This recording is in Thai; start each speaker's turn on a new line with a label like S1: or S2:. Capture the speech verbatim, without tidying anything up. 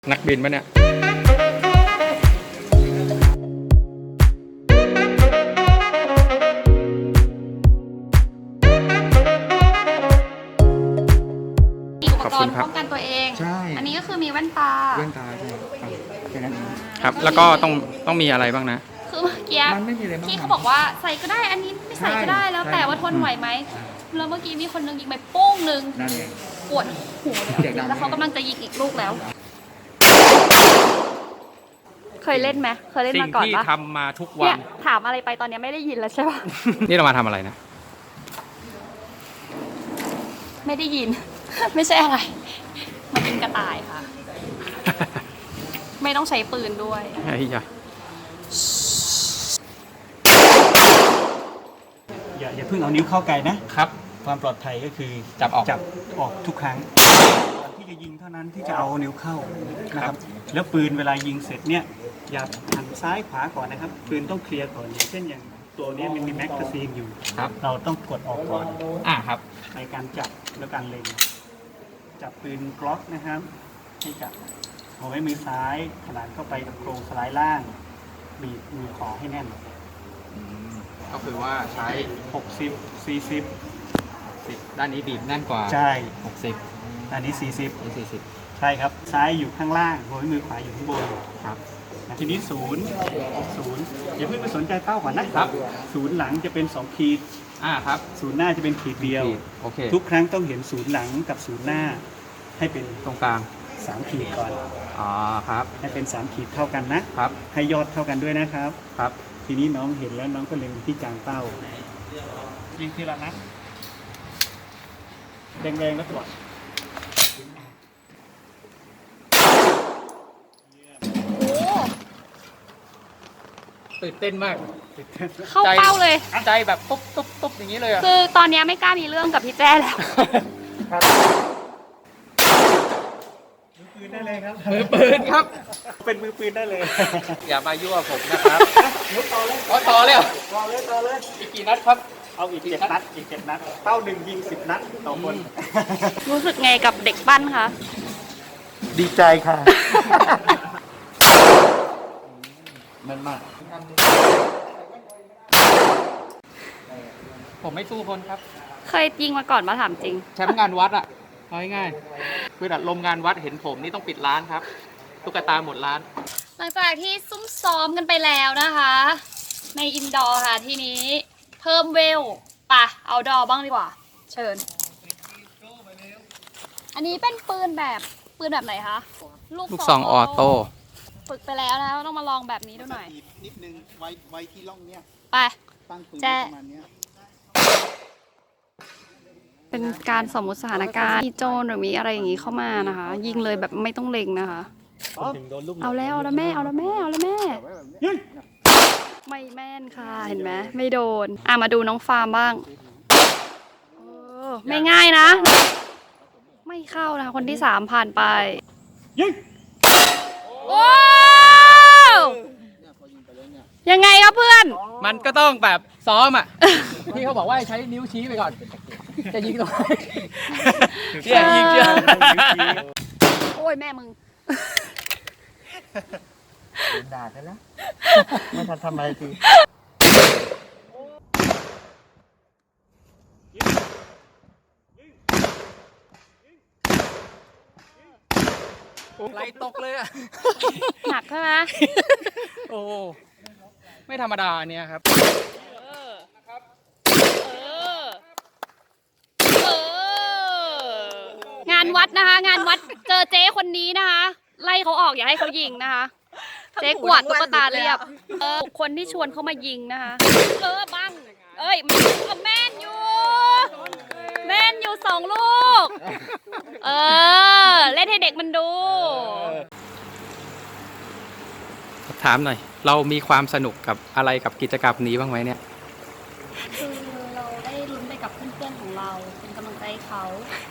S1: นักบินปะเนี่ย
S2: อุปกรณ์ป้องกันตัวเองใช่อันนี้ก็คือมีแว่นตา
S1: แว่นตาใช่แค่นั้นเองครับแล้วก็ต้องต้องมีอะไรบ้างนะ
S2: คือเมื่อกี้ที่เขาบอกว่าใส่ก็ได้อันนี้ไม่ใส่ก็ได้แล้วแต่ว่าทนไหวไหมแล้วเมื่อกี้มีคนนึงยิงไปโป้งนึงปวดหัวเลยแล้วเขากำลังจะยิงอีกลูกแล้วเคยเล่นไหมเคยเล่นมาก่อนปะ
S1: สิ่งที่ทำมาทุกวัน
S2: ถามอะไรไปตอนนี้ไม่ได้ยินแล้วใช่ปะ
S1: นี่เรามาทำอะไรนะ
S2: ไม่ได้ยินไม่ใช่อะไรมายิงกระต่ายค่ะไม่ต้องใช้ปืนด้วย
S1: ไอ้ยา
S3: อย่าอย่าเพิ่งเอานิ้วเข้าไกลนะครับความปลอดภัยก็คือ
S1: จับออก
S3: จับออกทุกครั้งก่อนที่จะยิงเท่านั้นที่จะเอานิ้วเข้านะครับแล้วปืนเวลายิงเสร็จเนี่ยอย่าหันซ้ายขวาก่อนนะครับปืนต้องเคลียร์ก่อนอย่างเช่นอย่างตัวนี้มันมีแม็กกาซีนอยู่เราต้องกดออกก่อน
S1: อ่าครับ
S3: ในการจับแล้วการเล็งจับปืนกล็อกนะครับให้จับเอาไว้มือซ้ายขนานเข้าไปกับโครงสไลด์ล่างบีบมือขวาให้แน่น
S1: ก็คือว่าใช้
S3: หกสิบ สี่สิบ
S1: สิบด้านนี้บีบแน่นกว่า
S3: ใช่
S1: หกสิบ
S3: ด้านนี้สี่สิบ
S1: นี่สี่สิบ
S3: ใช่ครับซ้ายอยู่ข้างล่างหัวมือขวาอยู่ข้างบน
S1: ครับ
S3: ทีนี้ศูนย์ศูนย์อย่าเพิ่งไปสนใจเป้าก่อนนะครับศูนย์หลังจะเป็นสองขีด
S1: อ่าครับ
S3: ศูนย์หน้าจะเป็นขีดเดียว
S1: โอเค
S3: ทุกครั้งต้องเห็นศูนย์หลังกับศูนย์หน้าให้เป็น
S1: ตรงกลาง
S3: สามขีดก่อน
S1: อ๋อครับ
S3: ให้เป็นสามขีดเท่ากันนะครับให้ยอดเท่ากันด้วยนะครับ
S1: ครับ
S3: ทีนี้น้องเห็นแล้วน้องก็เล็งที่กลางเป้ายิงทีละนัดแดงๆแล้วกด
S1: ตื่นเต้นมาก
S2: เข้าเป้าเลย
S1: ใจแบบตุ๊บตุ๊บตุ๊บอย่างนี้เลยอะ
S2: คือตอนนี้ไม่กล้ามีเรื่องกับพี่แจ้แล้ว
S3: มือปืนได้เลยครับ
S1: มือปืนครับ
S3: เป็นมือปืนได้เลย
S1: อย่ามายั่วผมนะครับ
S3: ต่อเลย
S1: ต่อเลย
S3: ต่อเลยต่อเลย
S1: อีกกี่นัดครับ
S3: เอาอีกเจ็ดนัดอีกเจ็ดนัดเป้าหนึ่งยิงสิบนัดต่อคน
S2: รู้สึกไงกับเด็กปั้นคะ
S3: ดีใจค่ะ
S1: มันมากผมไม่สู้คนครับ
S2: เคยยิงมาก่อนมาถามจริง
S1: แชมป์งานวัดอะเอาง่ายๆคือดัดลมงานวัดเห็นผมนี่ต้องปิดร้านครับตุ๊กตาหมดร้าน
S2: หลังจากที่ซุ่มซ้อมกันไปแล้วนะคะในอินดอร์ค่ะทีนี้เพิ่มเวลป่ะเอาดอบ้างดีกว่าเชิญอันนี้เป็นปืนแบบปืนแบบไหนคะ
S1: ลูกซองออโต้
S2: ฝึกไปแล้วนะต้องมาลองแบบนี้ดูหน่อย
S3: นิดนึงไว้ไว้ที่ร่องเนี้ย
S2: ไป
S3: ตั้งปืนประมาณเนี้ย
S2: เป็นการสมมุติสถานการณ์มีโจรหรือมีอะไรอย่างนี้เข้ามานะคะยิงเลยแบบไม่ต้องเล็งนะคะเอาแล้วเอาแล้วแม่เอาแล้วแม่เอาแล้วแม่ไม่แม่นค่ะเห็นไหมไม่โดนอ่ะมาดูน้องฟาร์มบ้างเออไม่ง่ายนะไม่เข้านะคะคนที่สามผ่านไปว้าวยังไงครับเพื่อน
S1: มันก็ต้องแบบซ้อมอ่ะที่เขาบอกว่าใช้นิ้วชี้ไปก่อนจะยิงตรงไหนเนี่ยยิงเชื่อ
S2: โอ้ยแม่มึง
S3: ด่ากันแล้วไม่ทันทำอะไรที
S1: ไหลตกเลยอ่ะ
S2: หนักใช่ไหม
S1: โอ้ไม่ธรรมดาเนี่ยครับ
S2: งานวัดนะคะงานวัดเจอเจ๊คนนี้นะคะไล่เขาออกอย่าให้เขายิงนะคะเจ๊กวาดตุ๊กตาเรียบเออคนที่ชวนเขามายิงนะคะเออบังเอ้ยมันแม่นอยู่แม่นอยู่สองลูกเออเล่นให้เด็กมันดู
S1: ถามหน่อยเรามีความสนุกกับอะไรกับกิจกรรมนี้บ้างไหมเนี่ย
S2: คือเราได้ลุ้นไปกับเพื่อนๆของเราเป็นกำลังใจเขา